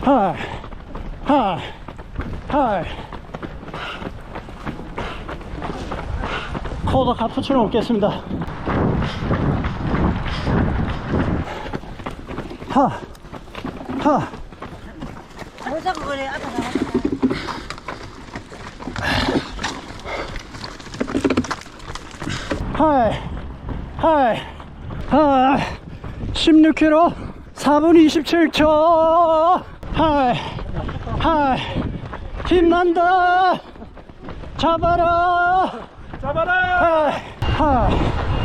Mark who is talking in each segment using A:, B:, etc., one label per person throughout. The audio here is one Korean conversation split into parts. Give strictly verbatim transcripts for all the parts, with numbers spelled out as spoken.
A: 하이 하이 하이. 코더 카푸치노 먹겠습니다. 하 하.
B: 뭐 자꾸 그래. 아까 나왔다.
A: 하이 하이 하이. 십육 킬로미터 사 분 이십칠 초. 하이 하이. 힘난다. 잡아라
C: 잡아라.
A: 하이 하이.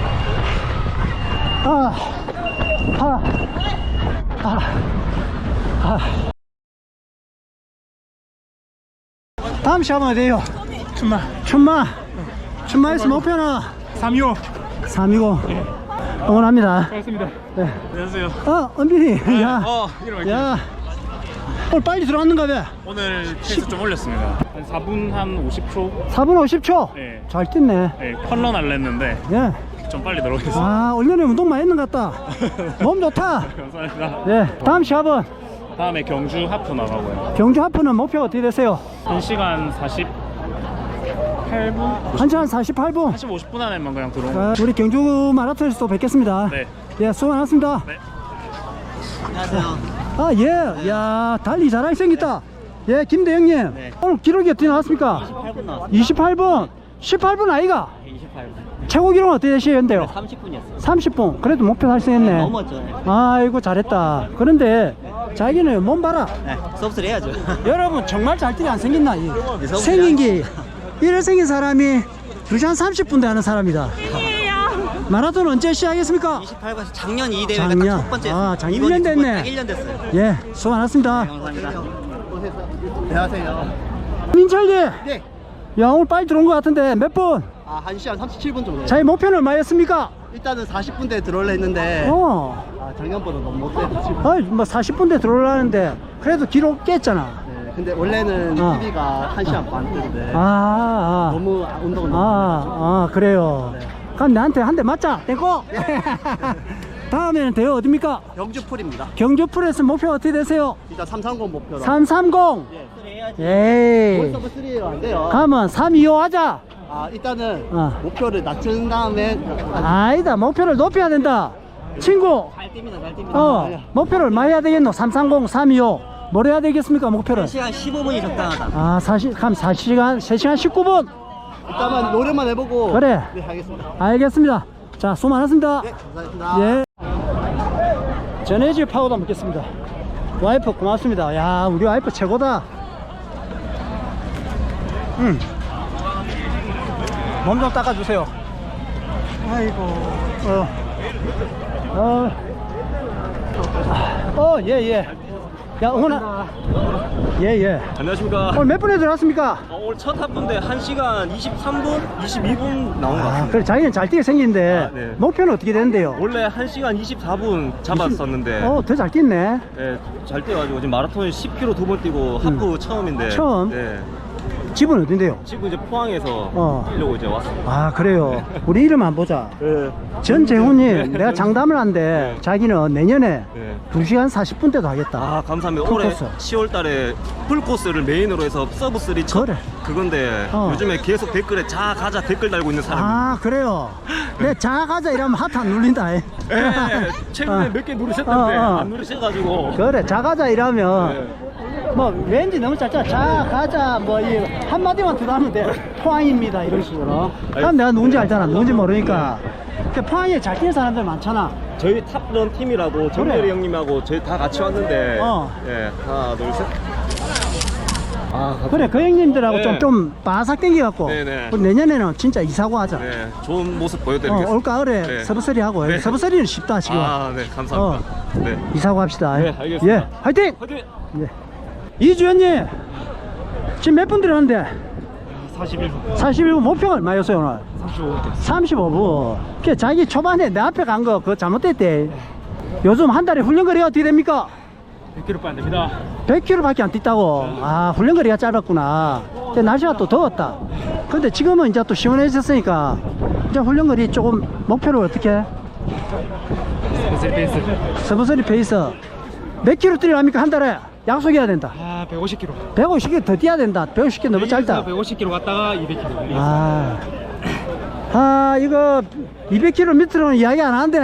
A: 아 아 아 아. 다음 시합은 어디에요?
C: 춘마
A: 춘마. 춘마에서 목표는
C: 삼이오.
A: 삼이고 응원합니다.
C: 반갑습니다.
A: 네.
C: 안녕하세요.
A: 어, 은빈이. 야,
C: 어, 이름
A: 야, 오늘 빨리 들어왔는가 봐.
C: 오늘 페이스 좀 올렸습니다. 한 사 분 한 오십 초.
A: 사 분 오십 초.
C: 네.
A: 잘 뛰네.
C: 네, 컬러 날랬는데
A: 예.
C: 좀 빨리 들어오겠습니다.
A: 아, 올년에 운동 많이 했는 것 같다. 몸 좋다.
C: 감사합니다.
A: 네. 다음 시합은
C: 다음에 경주 하프 나가고요.
A: 경주 하프는 목표 어떻게 되세요?
C: 한 시간 사십팔 분?
A: 한 시간 사십팔 분.
C: 한 시간 오십 분 안에만 그냥 들어오면.
A: 자, 우리 경주 마라톤에서 또 뵙겠습니다.
C: 네.
A: 예, 수고 많았습니다.
C: 네.
B: 안녕하세요.
A: 아, 예. 야, 달리 잘하게 생겼다. 예, 김대영님.
B: 네.
A: 오늘 기록이 어떻게 나왔습니까?
B: 이십팔 분 나왔습니다.
A: 이십팔 분. 십팔 분 아이가?
B: 이십팔 분.
A: 최고 기록은 어떻게 되시는데요?
B: 삼십 분이었어요.
A: 삼십 분. 그래도 목표 달성했네.
B: 넘었죠. 네.
A: 아이고 잘했다. 그런데 자기는 몸 봐라.
B: 네. 수업을 해야죠.
A: 여러분 정말 잘 뛰게 안 생겼나? 이
B: 서브스리
A: 생긴 게 이래 생긴 사람이 두 시간 삼십 분대 하는 사람이다. 마라톤 언제 시작했습니까?
B: 이십팔 분 작년 이 대회가
A: 작년.
B: 딱 첫 번째.
A: 아, 작년
B: 이번이
A: 일 년
B: 두 번째,
A: 됐네.
B: 딱 일 년 됐어요.
A: 예, 수고 많았습니다.
B: 네, 감사합니다. 안녕하세요.
A: 민철이.
D: 네.
A: 야, 오늘 빨리 들어온 것 같은데 몇 분?
D: 아, 한 시간 삼십칠 분 정도.
A: 자기 목표는 얼마였습니까?
D: 일단은 사십 분대에 들어올려 했는데
A: 어.
D: 아, 작년보다 너무 못돼서 지금.
A: 아이, 뭐 사십 분대 들어오려는데 그래도 기록 깼잖아.
D: 네, 근데 원래는
A: 어.
D: 티비가 한 시간 반 뜨는데
A: 아, 아.
D: 너무 운동을
A: 아,
D: 너무
A: 아, 그래요.
D: 네.
A: 그럼 나한테 한 대 맞자. 땡고. 다음에는 대회 어딥니까?
D: 경주 풀입니다.
A: 경주 프레스 목표 어떻게 되세요?
D: 일단 삼삼공 목표로.
A: 삼삼공. 에이.
D: 서브 삼이 안 돼요.
A: 가면 삼이오 하자.
D: 아, 일단은
A: 어.
D: 목표를 낮춘 다음에
A: 아니다. 목표를 높여야 된다. 친구.
B: 잘 뜁니다. 잘 뜁니다.
A: 어. 목표를 얼마 해야 되겠노? 삼삼공, 삼이오. 뭘 해야 되겠습니까? 목표를.
B: 한 시간 십오 분이 적당하다.
A: 아, 사시, 그럼 사 시간, 세 시간 십구 분.
D: 일단은 노력만 해보고.
A: 그래.
D: 네, 알겠습니다.
A: 알겠습니다. 자, 수고 많았습니다.
D: 네, 감사합니다.
A: 예. 전해질 파우더 먹겠습니다. 와이프 고맙습니다. 야, 우리 와이프 최고다. 음. 몸 좀 닦아주세요. 아이고. 어. 어. 어, 예, 예. 야, 응원아. 예, 예.
E: 안녕하십니까.
A: 오늘 몇 분에 들어왔습니까?
E: 어, 오늘 첫 합분데 한 시간 이십삼 분, 이십이 분 나온 것
A: 아,
E: 같습니다.
A: 그래, 자기는 잘 뛰게 생긴데,
E: 아, 네.
A: 목표는 어떻게 되는데요?
E: 원래 한 시간 이십사 분 잡았었는데
A: 어, 더 잘 뛰네.
E: 네, 잘 뛰어가지고 지금 마라톤 십 킬로미터 두 번 뛰고 하프 처음인데
A: 음. 처음?
E: 네,
A: 집은 어딘데요?
E: 지금 이제 포항에서
A: 어.
E: 뛰려고 이제 왔습니다.
A: 아, 그래요. 우리 이름 안 보자.
E: 네.
A: 전재훈님, 내가 장담을 한데, 자기는 내년에
E: 네.
A: 두 시간 사십 분대도 하겠다.
E: 아, 감사합니다.
A: 풀코스.
E: 올해 시월 달에 풀코스를 메인으로 해서 서브 쓰리 첫
A: 그래.
E: 그건데
A: 어.
E: 요즘에 계속 댓글에 자 가자 댓글 달고 있는 사람이
A: 아, 그래요. 내 자가자 이러면 하트 안 눌린다. 이.
E: 네, 최근에
A: 어.
E: 몇 개 누르셨던데
A: 어, 어.
E: 안 누르셔가지고
A: 그래, 자가자 이러면,
E: 네.
A: 뭐, 왠지 너무 짧잖아. 자가자, 뭐, 이, 한마디만 들어가면 돼. 포항입니다. 이런 식으로. 그럼 내가 누군지 알잖아. 누군지 모르니까. 그 포항에 잘 뛰는 사람들 많잖아.
E: 저희 탑런 팀이라고 정렬이 형님하고 저희 다 같이 왔는데
A: 어.
E: 예, 하나 둘셋 아,
A: 그래, 그 형님들하고
E: 네.
A: 좀, 좀 바삭 땡겨갖고.
E: 네네.
A: 우리 내년에는 진짜 이사고 하자.
E: 네, 좋은 모습
A: 어,
E: 보여드리겠습니다.
A: 올가을에
E: 네.
A: 서브서리 하고.
E: 네.
A: 서브서리는 쉽다, 지금.
E: 아, 네, 감사합니다. 네.
A: 이사고 합시다.
E: 네, 알겠습니다.
A: 예, 화이팅!
E: 화이팅!
A: 예. 이주연님, 지금 몇 분 들어갔는데?
C: 사십일 분.
A: 사십일 분 목표가 얼마였어요, 오늘?
C: 삼십오 분.
A: 삼십오 분. 그 자기 초반에 내 앞에 간 거 그거 잘못됐대. 요즘 한 달에 훈련거리가 어떻게 됩니까?
C: 백 킬로미터 안 됩니다.
A: 백 킬로미터밖에 안 뛰다고. 아, 훈련거리가 짧았구나. 근데 날씨가 또 더웠다. 근데 지금은 이제 또 시원해졌으니까 이제 훈련거리 조금 목표를 어떻게 해?
C: 스페이스.
A: 서브서리 페이스 몇 킬로 뛰려합니까 한 달에? 약속해야 된다.
C: 아, 백오십 킬로.
A: 백오십 개 더 뛰어야 된다. 백오십 개 너무 짧다.
C: 백오십 킬로 갔다가 이백 킬로.
A: 아, 아 이거 이백 킬로 밑으로는 이야기 안 하는데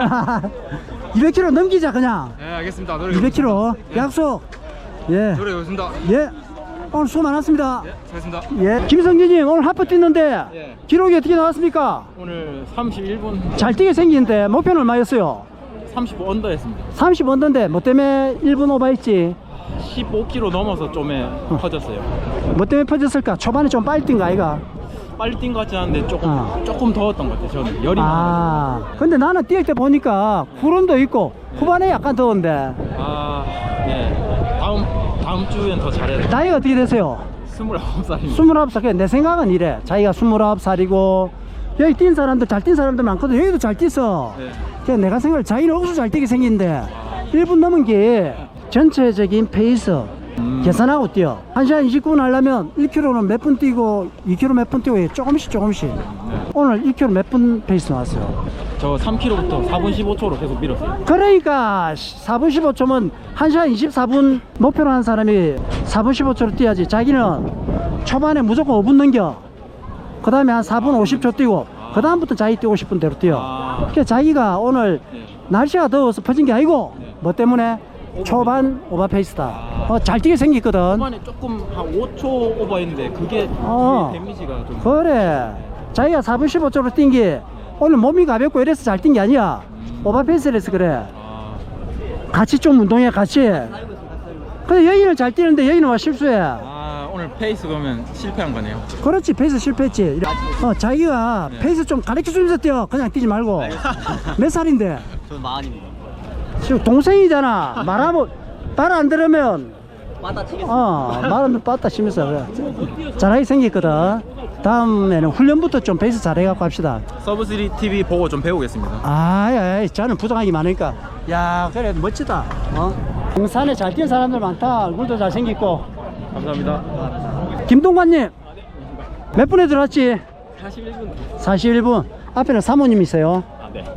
A: 이백 킬로 넘기자 그냥.
C: 네, 알겠습니다. 노래
A: 이백 킬로 약속. 예.
C: 노래 좋습니다.
A: 예. 오늘 수고 많았습니다.
C: 네, 수고했습니다.
A: 예. 김성진님 오늘 하프 뛰는데
C: 예.
A: 기록이 어떻게 나왔습니까?
C: 오늘 삼십일 분
A: 잘 뛰게 생기는데 목표는 얼마였어요?
C: 삼십오 언더 했습니다.
A: 삼십 언더인데 뭐 때문에 일 분 오버했지?
C: 십오 킬로 넘어서 좀에 퍼졌어요.
A: 뭐 때문에 퍼졌을까? 초반에 좀 빨리 뛴 거 아이가?
C: 빨리 뛴 것 같지 않은데 조금
A: 어.
C: 조금 더웠던 것 같아요. 저는 열이
A: 아, 근데 나는 뛸 때 보니까 구름도 있고 후반에 약간 더운데
C: 아, 네. 다음 다음 주엔 더 잘해야 돼.
A: 나이가 어떻게 되세요?
C: 스물아홉 살입니다.
A: 스물아홉 살. 내 생각은 이래. 자기가 스물아홉 살이고 여기 뛴 사람들 잘 뛴 사람들 많거든. 여기도 잘 뛰어.
C: 네.
A: 그냥 내가 생각을 자기는 억수 잘 뛰게 생긴데 일 분 넘은 게 전체적인 페이스
C: 음.
A: 계산하고 뛰어. 한 시간 이십 분 하려면 일 킬로미터는 몇 분 뛰고 이 킬로미터 몇 분 뛰고 조금씩 조금씩.
C: 네.
A: 오늘 일 킬로미터 몇 분 페이스 나왔어요?
C: 저 삼 킬로미터부터 사 분 십오 초로 계속 밀었어요.
A: 그러니까 사 분 십오 초면 한 시간 이십사 분 목표로 한 사람이 사 분 십오 초로 뛰어야지. 자기는 초반에 무조건 오 분 넘겨. 그 다음에 한 사 분 오십 초 뛰고 그 다음부터 자기 뛰고 싶은 대로 뛰어.
C: 아.
A: 그러니까 자기가 오늘
C: 네.
A: 날씨가 더워서 퍼진 게 아니고
C: 네.
A: 뭐 때문에 초반 오버 페이스다. 어, 잘 뛰게 생겼거든.
C: 초반에 조금 한 오 초 오버했는데 그게
A: 어.
C: 뒤에 데미지가 좀.
A: 그래. 자기가 사 분 십오 초로 뛴 게 오늘 몸이 가볍고 이래서 잘 뛴 게 아니야. 오버 페이스라서 그래.
C: 아,
A: 같이 좀 운동해 같이. 근데 여인은 잘 뛰는데 여인은 와 실수해.
C: 아, 오늘 페이스 그러면 실패한 거네요.
A: 그렇지. 페이스 실패했지. 이래. 어, 자기가
C: 네.
A: 페이스 좀 가르쳐 주면서 뛰어. 그냥 뛰지 말고. 몇 살인데?
B: 저는 마흔입니다.
A: 지금 동생이잖아. 말하면 말 안 들으면
B: 받아치겠습니다.
A: 어 말하면 빠따 치면서 그래. 잘하게 생겼거든. 다음에는 훈련부터 좀 페이스 잘해갖고 합시다.
C: 서브쓰리 티비 보고 좀 배우겠습니다.
A: 아이, 저는 부정하기 많으니까. 야, 그래 멋지다. 어? 등산에 잘 뛰는 사람들 많다. 얼굴도 잘생겼고.
C: 감사합니다.
A: 김동관님 몇 분에 들어왔지?
C: 사십일 분.
A: 사십일 분. 앞에는 사모님 있어요.
C: 아, 네.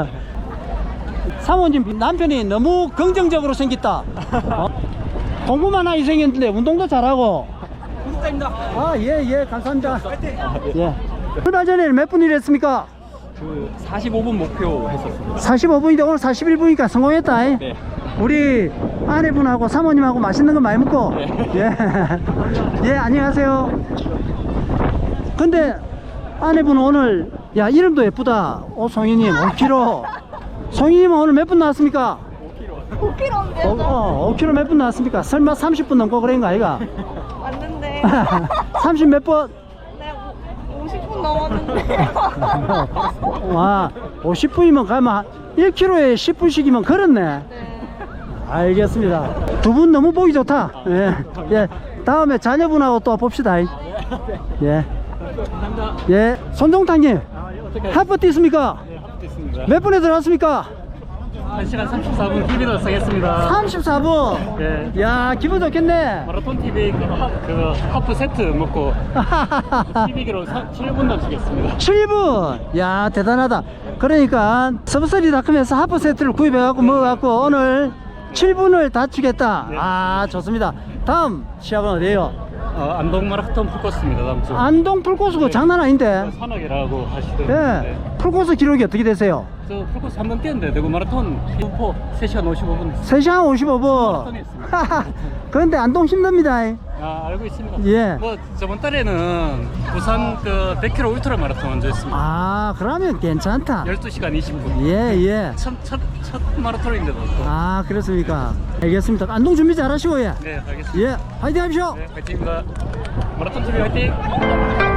A: 사모님 남편이 너무 긍정적으로 생겼다. 어? 공부만 하게 생겼는데 운동도 잘하고.
C: 구독자입니다.
A: 아, 예, 예, 감사합니다. 예. 출발 전에는 몇 분 일했습니까?
C: 그 사십오 분 목표 했었습니다.
A: 사십오 분인데 오늘 사십일 분이니까 성공했다. 이.
C: 네.
A: 우리 아내분하고 사모님하고 맛있는 거 많이 먹고.
C: 네.
A: 예. 예, 안녕하세요. 근데 아내분은 오늘, 야, 이름도 예쁘다. 오, 송이님, 오 킬로미터. 송이님은 오늘 몇 분 나왔습니까?
F: 오 킬로미터인데
A: 어, 어, 오 킬로미터 몇 분 나왔습니까? 설마 삼십 분 넘고 그런 거 아이가?
F: 맞는데
A: 삼십 몇 분?
F: 네, 오십 분 넘었는데
A: 와, 오십 분이면 가면 일 킬로미터에 십 분씩이면 걸었네.
F: 네.
A: 알겠습니다. 두 분 너무 보기 좋다. 예. 예. 다음에 자녀분하고 또 봅시다. 예. 예. 손종탁님, 하프 뛰습니까?
C: 됐습니다.
A: 몇 분에 들어왔습니까?
C: 한 시간 삼십사 분 티비로 쓰겠습니다.
A: 삼십사 분.
C: 네.
A: 야, 기분 좋겠네.
C: 마라톤 티비 그, 하, 그 하프 세트 먹고 티비기로 칠 분 넘치겠습니다.
A: 칠 분. 야, 대단하다. 그러니까 서브쓰리닷컴에서 하프 세트를 구입해갖고 먹어갖고 오늘 칠 분을 다 주겠다.
C: 네.
A: 아, 좋습니다. 다음 시합은 어디에요?
C: 어, 안동 마라톤 풀코스입니다. 다음 주.
A: 안동 풀코스고 장난 아닌데.
C: 산악이라고 하시던데.
A: 예. 풀코스 기록이 어떻게 되세요?
C: 저 풀코스 한 번 뛰었는데 대구 마라톤 후포 세 시간 오십오 분.
A: 세 시간 오십오 분.
C: 마라톤이 있습니다.
A: 그런데 안동 힘듭니다.
C: 아, 알고 있습니다.
A: 예.
C: 뭐 저번 달에는 부산 그 백 킬로미터 울트라 마라톤 먼저 했습니다.
A: 아, 그러면 괜찮다.
C: 열두 시간 이십 분.
A: 예, 예.
C: 첫, 첫, 첫 마라톤인데도 또.
A: 아, 그렇습니까? 알겠습니다. 안동 준비 잘 하시고, 예.
C: 네, 알겠습니다.
A: 예, 화이팅 하십시오.
C: 네, 화이팅입니다. 마라톤 티비 화이팅!